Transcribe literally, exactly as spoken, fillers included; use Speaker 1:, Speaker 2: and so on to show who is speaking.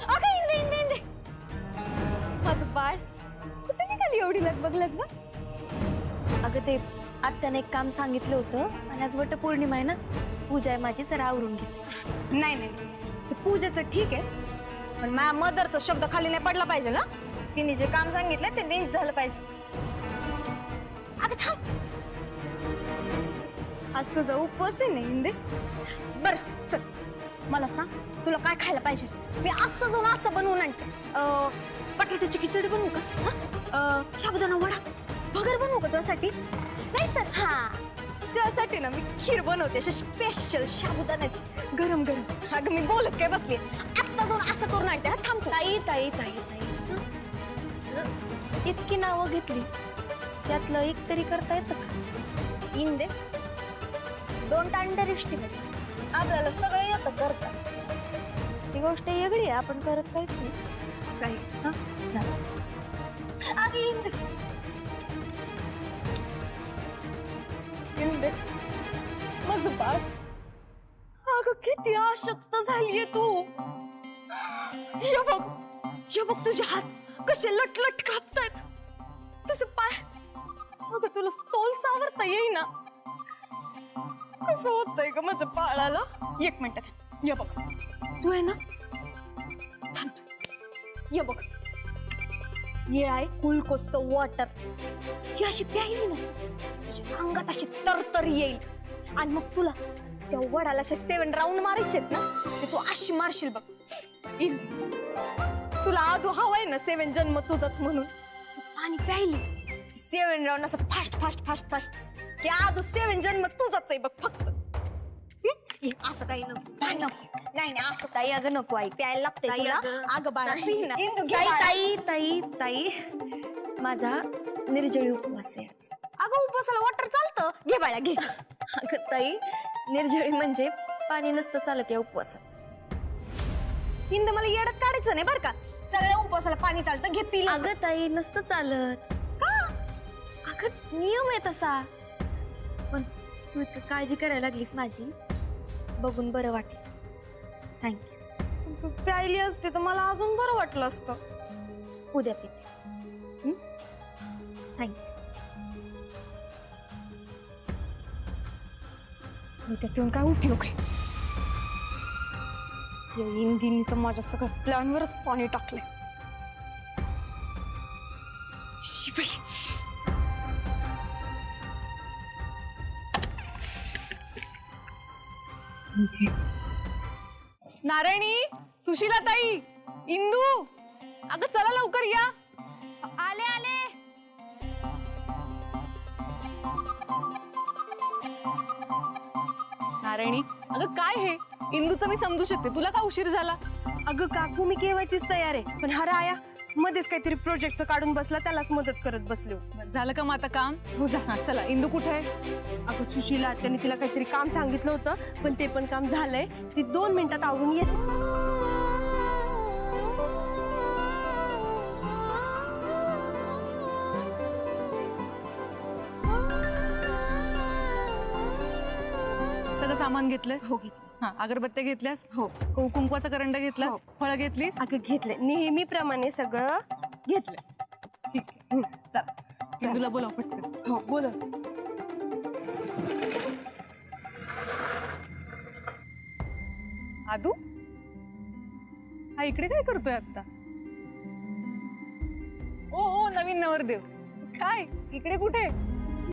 Speaker 1: अगं इंदे इंदे इंदे माझं बाळ कुठे निघाली एवढी लगबग लगबग?
Speaker 2: अगं ते आत्याने एक काम सांगितलं होतं आणि आज वटपौर्णिमा आहे ना, पूजा आहे माझी, जरा आवरून घेते.
Speaker 1: नाही नाही ते पूजेचं ठीक आहे, पण माझ्या मदरचा शब्द खाली नाही पडला पाहिजे ना. तिने जे काम सांगितलं ते नीट झालं पाहिजे. अगं थांब, आज तुझा उपवास आहे ना इंदे. बर चल मला सांग तुला काय खायला पाहिजे. मी असं जाऊन असं बनवून आणते. बटाट्याची खिचडी बनवू का? साबुदाणा वडा भगर बनवू का तुझ्यासाठी? नाहीतर हा तुझ्यासाठी ना मी खीर बनवते अशी स्पेशल साबुदाण्याची गरम गरम. अगं मी बोलत काय बसली, आत्ता जाऊन असं करून आणते. हा थांबतो.
Speaker 2: ताई ताई ताई ताई इतकी नावं घेतलीस, त्यातलं एक तरी करता येतं का?
Speaker 1: इंदे डोंट अंडर एस्टिमेट. आपल्याला सगळं येतं करता. ती गोष्ट वेगळी आहे, आपण करत काहीच नाही काही. अगं इंदे इंदे माझं बाळ, अगं किती अशक्त झालीये तू. हे बघ हे बघ तुझे हात कसे लटलट कापतायत, तुझे पाय. अगं तुला तोल सावरता येईना. कसं होतंय ग माझ्या बाळाला? एक मिनिट ये बघ, तू आहे ना थांब तू. ये बघ ये आहे ग्लुकोजचं वॉटर. ही अशी प्यायली ना तुझ्या अंगात अशी तरतर येईल, आणि मग तुला त्या वडाला असे सेवन राऊंड मारायचे ना, ते तू अशी मारशील बघ. इन तुला आधो हवाय ना सेवन जन्म तुझाच म्हणून. तू पाणी प्यायली सेवन राऊंड असं फास्ट फास्ट फास्ट फास्ट. ते आधो सेवन जन्म तुझाच आहे बघ फक्त. असं काही नको नाही नको नाही नाही असं काही. अगं नको आई प्यायला लागते तुला. अगं बाळा पी ना.
Speaker 2: ताई ताई ताई ताई माझा निर्जळी उपवास आहे आज.
Speaker 1: अगं उपवासाला वॉटर चालतं. घे बाळा घे.
Speaker 2: अगं ताई निर्जळी म्हणजे पाणी नसतं चालत या उपवासात.
Speaker 1: हिंद मला येडत काढायचं नाही बरं का. सगळ्या उपवासाला पाणी चालतं. घे पी.
Speaker 2: अगं ताई नसतं चालत
Speaker 1: का?
Speaker 2: अगं नियम आहे तसा. पण तू इतकं काळजी करायला लागलीस माझी, बघून बरं वाटेल. थँक्यू.
Speaker 1: तू प्यायली असते तर मला अजून बरं वाटलं असतं.
Speaker 2: उद्या पिते. थँक्यू.
Speaker 1: उद्या पिऊन काय उपयोग आहे? या इंदीने तर माझ्या सगळ्या प्लॅनवरच पाणी टाकले.
Speaker 3: नारायणी, सुशीला ताई, इंदू, अगं चला लवकर या.
Speaker 1: आले आले.
Speaker 3: नारायणी अगं काय हे, इंदूचं मी समजू शकते, तुला का उशीर झाला?
Speaker 1: अगं काकू मी केव्हाचीच तयार आहे, पण हा राया मध्येच काहीतरी प्रोजेक्टचं काढून बसला, त्यालाच मदत करत बसले होते.
Speaker 3: झालं का मग आता काम?
Speaker 1: हो जा.
Speaker 3: हा चला. इंदू कुठे आहे?
Speaker 1: अगं सुशीला त्यांनी तिला काहीतरी काम सांगितलं होतं, पण ते पण काम झालंय. ती दोन मिनिटात आवरून येते.
Speaker 3: सगळं सामान घेतलंस?
Speaker 1: हो घेतलं.
Speaker 3: हा अगरबत्त्या घेतल्यास?
Speaker 1: हो.
Speaker 3: कुंकवाचा करंडा घेतलास?
Speaker 1: हो.
Speaker 3: फळं घेतलीस?
Speaker 1: अगं घेतलं नेहमीप्रमाणे सगळं घेतलं.
Speaker 3: ठीक आहे चला. इंदूला बोलाव पटकन.
Speaker 1: हो बोल.
Speaker 3: आदू हा इकडे काय करतोय आता? ओ ओ नवीन नवरदेव काय इकडे कुठे?